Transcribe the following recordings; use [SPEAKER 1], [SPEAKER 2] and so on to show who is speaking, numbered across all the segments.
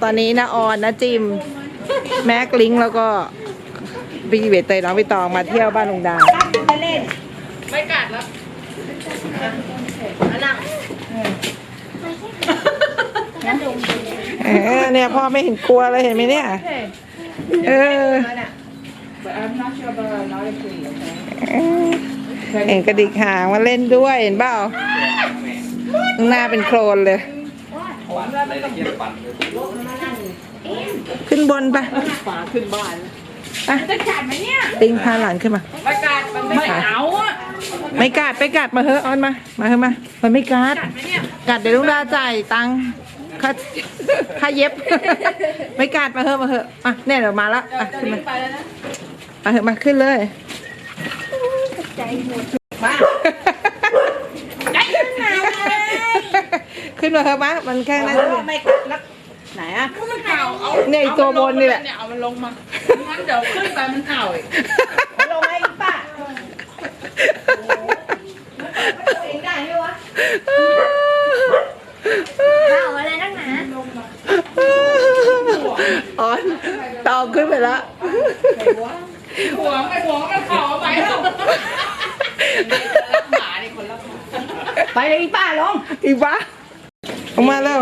[SPEAKER 1] ตอนนี้นะออนนะจิมแม็กลิงแล้วก็พี่เบตเตยน้องพี่ตองมาเที่ยวบ้านลุงดา
[SPEAKER 2] ไม่กัดแล้วนั่ง
[SPEAKER 1] เนี่ยพ่อไม่เห็นกลัวเลยเห็นไหมเนี่ยเห็นกระดิกหางมาเล่นด้วยเห็นเปล่าหน้าเป็นโคลนเลยขึ้นบนไป
[SPEAKER 2] ขึ้นบ้านจะกัดไหมเนี่ย
[SPEAKER 1] ติงพาหลานขึ้นมา
[SPEAKER 2] ไม่กัดไม่เอาอ่ะ
[SPEAKER 1] ไม่กัดไปกัดมาเถอะออนมาเถอะมามันไม่กัดกัดเดี๋ยวลุงดาจ่ายตังค่าเย็บไม่กัดมาเถอะอ่ะเนี่ยเดี๋ยวมาละอ่ะขึ้นมาเถอะมาขึ้นเลย
[SPEAKER 2] ใจหมดมาใจหนาว
[SPEAKER 1] ขึ้นมาเถอะมามันแค่นั้น
[SPEAKER 2] ไม่กัดแล้วไหนอ่ะมันเห่าเอา
[SPEAKER 1] เนี่ยตัวบนนี่แหละ
[SPEAKER 2] เอามันลงมางั้นเดี๋ยวขึ้นไปมันเห่าอีกลงไอ้ป้าเองได้ไหมวะเห่าอะไรนักหนา
[SPEAKER 1] อ๋อตองขึ้นไปแล้ว
[SPEAKER 2] หัวมันเข่าไปแล้วหมาเนี่ยคนละไปเลยอีป้าลง
[SPEAKER 1] อีป้าออกมาแล้ว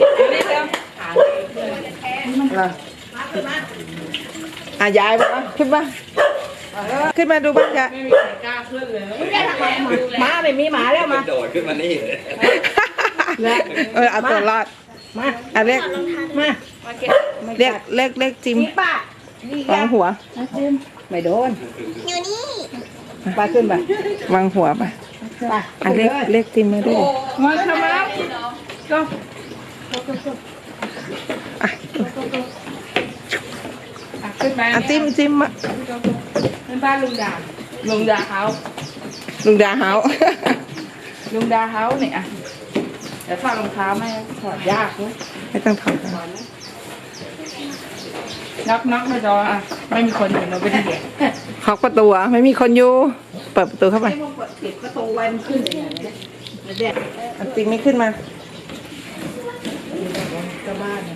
[SPEAKER 1] ยายมาขึ้นมาดูบ้านจะ
[SPEAKER 2] ไม่มีใครกล้าขึ้นเลยม้าไม่มีหมาแล้วมา
[SPEAKER 3] โดดขึ้นมานี่เลย
[SPEAKER 1] เอาตัวรอดมาเรียกเรียกจิมวางหัว
[SPEAKER 2] ไม่โดน
[SPEAKER 4] อยู่นี่
[SPEAKER 2] ไปขึ้นไป
[SPEAKER 1] วางหัวไปเรียกจิมมาด้วย
[SPEAKER 2] มาทำไมก็ขึ้นไป
[SPEAKER 1] จิมมา
[SPEAKER 2] เป็นบ้านลุงดาเฮา
[SPEAKER 1] ลุงดาเฮา
[SPEAKER 2] เนี่ยอ่ะเดี๋ยวฝากรองเท้าไม่ถอดยากเลย
[SPEAKER 1] ไม่ต้องถอด
[SPEAKER 2] น็อกไม่รออ่ะไม่มีคนอยู่เราไม่ได้เด็ก
[SPEAKER 1] เคาะประตูไม่มีคนอยู่เปิดประตูเข้าไป
[SPEAKER 2] ปิดประตูไว้มันขึ้นอย่างนี้เด็ก
[SPEAKER 1] จิมไม่ขึ้นมา
[SPEAKER 2] ก็บ้าน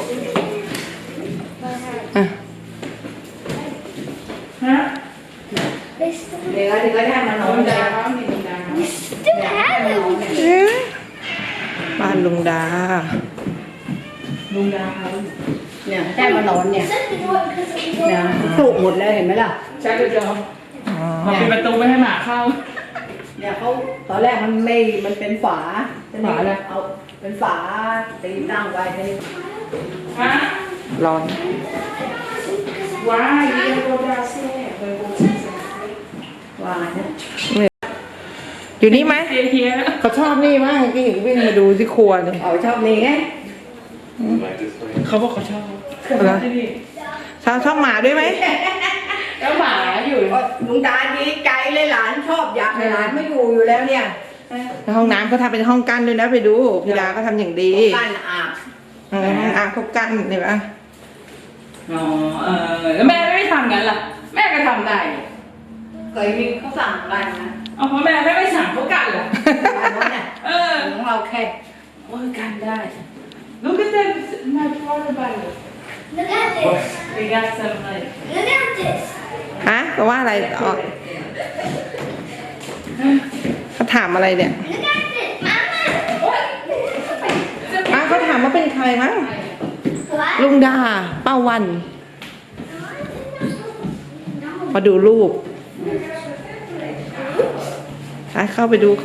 [SPEAKER 2] ฮะเดี๋ยวก็ได้มานอนแล้ว
[SPEAKER 1] บ้านลุงดา
[SPEAKER 2] เนี่ยได้มานอนเนี่ยปลูกหมดแล้วเห็นไหมล่ะใช่เลยจอมาปิดประตูไม่ให้หมาเข้าเนี่ยเขาตอนแรกมันเป็นฝาอะไรเอาเป็นฝาตีตั้งไว้ให้ฮะ
[SPEAKER 1] ร้อน
[SPEAKER 2] ว้ายเรียกว่าดาเซ่ว้าย
[SPEAKER 1] อยู่นี่ไหมเขาชอบนี่มากที่วิ่งมาดูที่ครัวเลย
[SPEAKER 2] ชอบนี่ไงเขาบอกเขาชอบ
[SPEAKER 1] ชอบหมาด้วยไหม
[SPEAKER 2] แล้วหมาอยู่ลุงดาดีใจเลยหลานชอบอยากให้หลานไม่อยู่แล้วเนี่ย
[SPEAKER 1] ห้องน้ำเขาทำเป็นห้องกั้นด้วยนะไปดูพี่ดาก็ทำอย่างดี
[SPEAKER 2] กั้นอาบ
[SPEAKER 1] เขากั้นเห็นไหม
[SPEAKER 2] อ๋อแล้วแม่ไม่ทำงั้นล่ะแม่ก็ทำได้เคยมีเขาสั่งกันนะเพราะแม่ไม่สั่งเขากันเหรอของเราแค่กันได้ Look at that my water bottle
[SPEAKER 4] Look at this
[SPEAKER 2] We got some like
[SPEAKER 4] Look at this
[SPEAKER 1] แปลว่าอะไรเขาถามอะไรเนี่ยเขาถามว่าเป็นใครมั้งลุงดาป้าวันมาดูรูปเข้าไปดู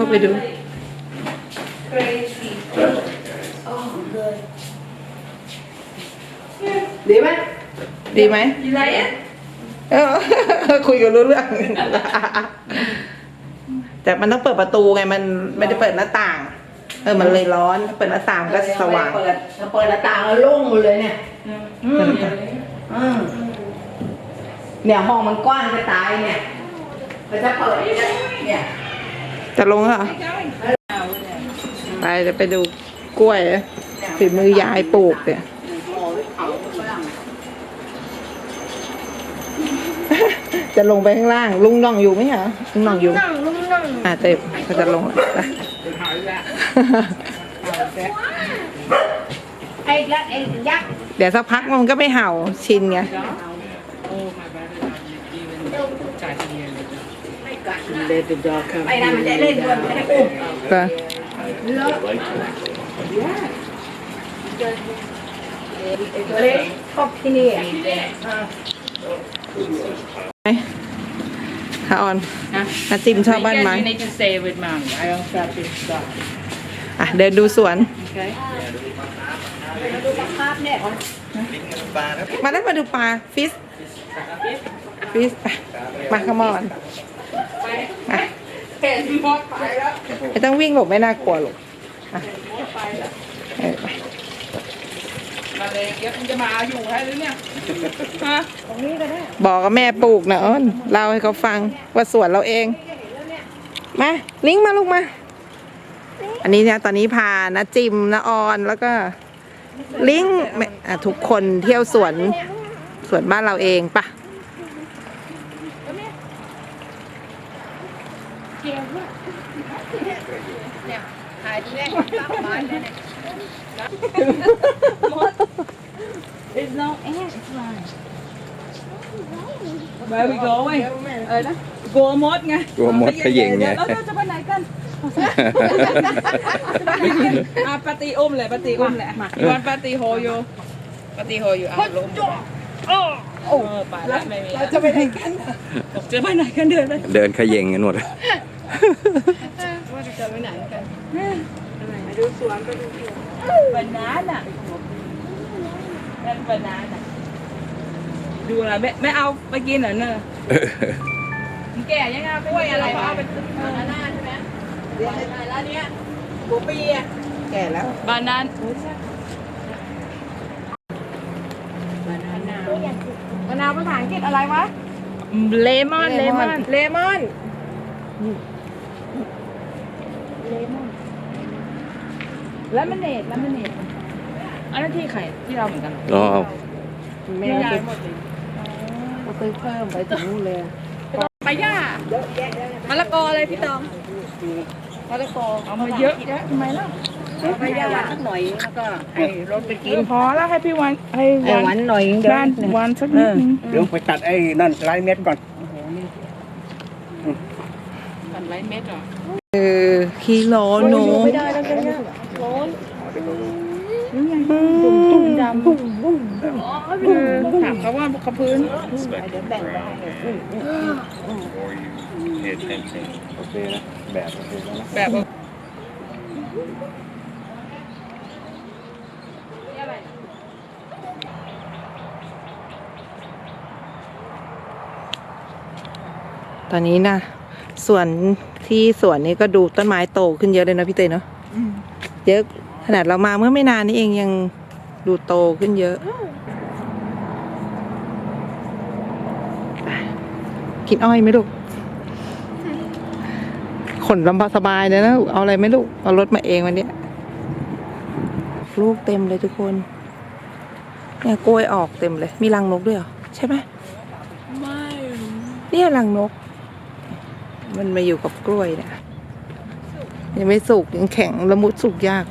[SPEAKER 2] ดีไหม
[SPEAKER 1] ดีไหมคุยกันรู้เรื่องแต่มันต้องเปิดประตูไงมันไม่ได้เปิดหน้าต่างมันเลยร้อนเปิดหน้าต่างก็สว่าง
[SPEAKER 2] เปิดหน้าต่างแล้วโล่งหมดเลยเนี่ยเนี่ยห้องมันกว้างจะตายเนี่ยมันจะเปิดเนี่ย
[SPEAKER 1] จะลงเหรอไปดูกล้วยฝีมือยายปลูกเนี่ยจะลงไปข้างล่างลุงน่องอยู่ไหมคะลุงน่องอยู่เต็มก็จะลง
[SPEAKER 2] ไอ้ยักษ์
[SPEAKER 1] เดี๋ยวสักพักมันก็ไม่เห่าชินไง
[SPEAKER 2] Let the dog come. ไปนะมันจะเล่นด้วยไม่ได้อุ้ม
[SPEAKER 1] ก็
[SPEAKER 2] ตัวเล็กชอบที่นี่อ่ะ
[SPEAKER 1] ค่ะออนนาจิมชอบบ้านไม้
[SPEAKER 3] You need to stay with mom. I don't stop this stuff.
[SPEAKER 1] อ่ะเดินดูสวน
[SPEAKER 3] Okay?
[SPEAKER 2] ดูปลาคาร์ฟเนี่ย
[SPEAKER 1] มาได้มาดูปลาฟิสมาขมอนไม่ต้องวิ่งหลบไม่น่ากลัวหรอกอ่ะเออไป
[SPEAKER 3] มาเลยเดี๋ยวคุณจะมาเอาอยู่ให้หรือเนี่ยฮะ
[SPEAKER 1] บอกกับแม่ปลูกนะอ้นเล่าให้เขาฟังว่าสวนเราเอง มาลิงก์มาลูกมา อันนี้เนี่ยตอนนี้พานะจิมนะออนแล้วก็ลิงก์ทุกคนเที่ยวสวนบ้านเราเองปะ
[SPEAKER 3] There's no ant flying. Where we going? นะกลัวมดไง
[SPEAKER 5] กลัวมดเขย่งไง
[SPEAKER 3] เราจะไปไหนกันปาตีอุ้มเลยปาตีอุ้มแหละยวนปาตีโฮโยปาตีโฮอยู่ลมโอ้ไปแล้วไม่มีเราจะไปไหนกันจะไปไหนกันเดินเลย
[SPEAKER 5] เดินเขย่งกันหมด
[SPEAKER 3] บานาน่ะนั่นบานาน่ะดูอะไรไม่เอาไปกินเหรอเนอะมันแก่ยังไงกล้วยอะไรเขาเอาไปบานาน่าใช่ไหมแล้วเนี้ยหัวปีอะ
[SPEAKER 1] แก่แล้ว
[SPEAKER 3] บานาน่ามะนาวภาษาอังกฤษอะไรวะเลมอนแล้วมันเนตอันนั้นที่ไข่ที่เราเหมือนกัน
[SPEAKER 5] อ๋อ
[SPEAKER 1] แม่
[SPEAKER 3] ยาย
[SPEAKER 1] ซื้อ
[SPEAKER 3] หมดเลย
[SPEAKER 1] ซื้อเพิ่มไปถึงนู่นเลย
[SPEAKER 3] ไปย่ามะละกออะไรพี่ตองมะละกอเอามาเยอะทำไมล่ะ
[SPEAKER 2] ไปย่าสักหน่อยแล้วก็ให้รถไปกิน
[SPEAKER 3] พอแล้วให้พี่วันให้
[SPEAKER 2] หวานหน่อยเดี๋ยว
[SPEAKER 3] บ้านวันสักนิดนึง
[SPEAKER 6] เดี๋ยวไปตัดไอ้นั่นลายเม็ดก่อน
[SPEAKER 3] กันไรเม็ดเหรอ
[SPEAKER 1] กิโลหนู
[SPEAKER 3] ไม่ได้แล้วเนี่ยร้อนดำถามเขาว่าเขาพื้น
[SPEAKER 5] โอเคนะแบบโอเคแล้วนะ
[SPEAKER 3] แบบ
[SPEAKER 1] ตอนนี้นะส่วนที่สวนนี้ก็ดูต้นไม้โตขึ้นเยอะเลยนะพี่เตยเนาะเยอะขนาดเรามาเมื่อไม่นานนี้เองยังดูโตขึ้นเยอะ กินอ้อยไหมลูกขนลำบากสบายเลยนะเอาอะไรไหมลูกเอารถมาเองวันนี้ลูกเต็มเลยทุกคนเนี่ยกล้วยออกเต็มเลยมีรังนกด้วยเหรอใช่ไหมไม่เนี่ยรังนก มันมาอยู่กับกล้วยเนี่ยยังไม่สุกยังแข็งละมุดสุกยาก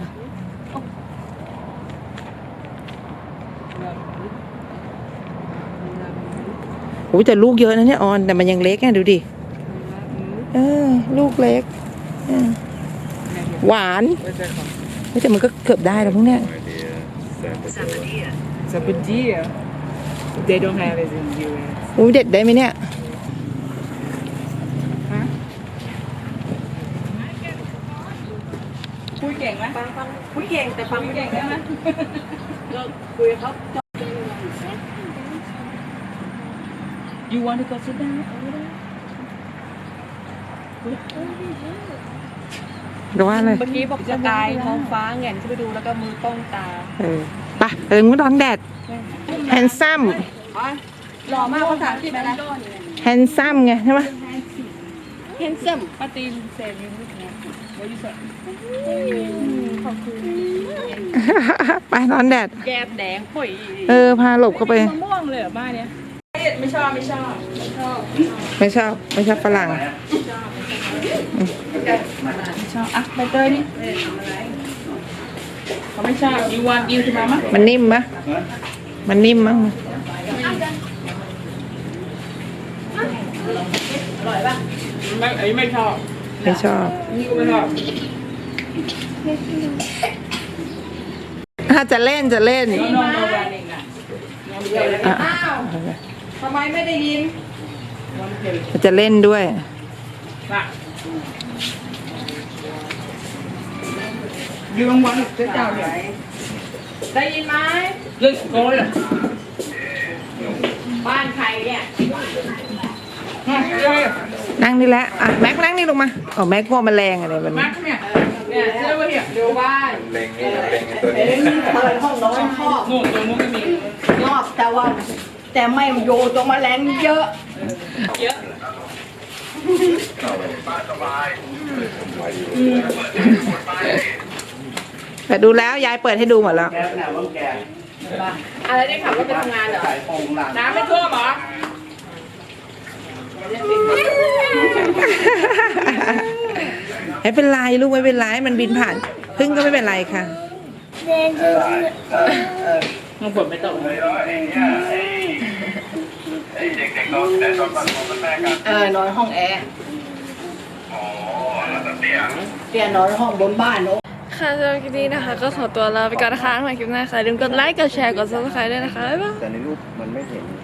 [SPEAKER 1] โอ้แต่ลูกเยอะนะเนี่ยออนแต่มันยังเล็กไงดูดิลูกเล็กหวานแต่มันก็เกือบได้แล้วพวกเนี้ย
[SPEAKER 3] Sabadia they don't have it in US
[SPEAKER 1] อุ้ยเด็ดได้ไหมเนี่ย
[SPEAKER 3] คุยเก่งไหมคุยเก่งแต่ฟังไม่เก่งได้ไหม
[SPEAKER 2] คุยกับเขา
[SPEAKER 3] You want to go sit down
[SPEAKER 1] หรือว่าอะไร
[SPEAKER 2] เมื่อกี้บอกจะตายท้องฟ้าแง่นขึ้นไปดูแล้วก็มือป้องตา
[SPEAKER 1] ไปงูดองแดดแฮนซัม
[SPEAKER 2] หล่อมากภาษาอังกฤษอะไร
[SPEAKER 1] แฮนซัมไงใช่ไหม
[SPEAKER 2] handsome
[SPEAKER 3] ป้าตีนเซฟยูนิคนะว่ายูสั
[SPEAKER 1] ไปนอนแดด
[SPEAKER 2] แก้มแดงป่อย
[SPEAKER 1] พาหลบเข้าไป
[SPEAKER 3] มะม่วงเลยเหรอบ้านเนี้ยไม่ชอบ
[SPEAKER 1] ไม่ชอบฝรั่ง
[SPEAKER 3] อ่ะใบเตยนี่เขาไม่ชอบยูวานกินขึ้นมามั้ย
[SPEAKER 1] มันนิ่มปะมันนิ่มมั้ง
[SPEAKER 3] ไม่ชอบ
[SPEAKER 1] ไม่ชอบ
[SPEAKER 3] นี่ก็ไม่ชอบ
[SPEAKER 1] ถ้าจะเล่นจะเล่น
[SPEAKER 3] น้องโดนเองอ่ะ
[SPEAKER 1] อ่ะ
[SPEAKER 3] อ้าวทำไมไม่ได้ยิน
[SPEAKER 1] จะเล่นด้วย
[SPEAKER 3] น่ะยืมวันเจ้าเนี่ยได้ยินไหมเรื่องโกยเหรอบ้านใครเนี่ย
[SPEAKER 1] นั่งนี่แหละอ่ะแม็กนั่งนี่ลงมาอ๋อแม็กพวกแมลงอะไรแบบ
[SPEAKER 3] มา
[SPEAKER 1] นี้
[SPEAKER 3] เนี่ยเนี่ยเชื่อว่าเนี่ยดูบ้าน
[SPEAKER 5] เล็งนี่เล็งตัว
[SPEAKER 2] เอ้
[SPEAKER 5] นี้
[SPEAKER 2] ยเปิดห้องนอนชอบ
[SPEAKER 3] นู่นตรงนู้นก็มี
[SPEAKER 2] ชอบแต่ไม่โยตรงแมลงเยอะ
[SPEAKER 3] เยอะ
[SPEAKER 1] แต่ดูแล้วยายเปิดให้ดูหมดแล้ว
[SPEAKER 6] แกน่ะว่าแก
[SPEAKER 3] อะไรได้ขับรถไปทำงานเหรอ
[SPEAKER 6] ใส่โปงหลัง
[SPEAKER 3] น้ำไม่ท่วมเหรอ
[SPEAKER 1] ไม่เป็นไรลูกไม่เป็นไรมันบินผ่านพึ่งก็ไม่เป็นไรค่ะ
[SPEAKER 3] มันฝนไม่ตก
[SPEAKER 2] นอนห้องแอร์เตียนอนห้องบนบ้านเนอะ
[SPEAKER 7] ค่ะสำหรับคลิปนี้นะคะ ก็ขอตัวลาไปก่อนนะคะใหม่คลิปหน้าค่ะอย่าลืมกดไลค์ กดแชร์ กด subscribe ด้วยนะคะ บ๊ายบาย
[SPEAKER 5] แต่ในรูปมันไม่เห็น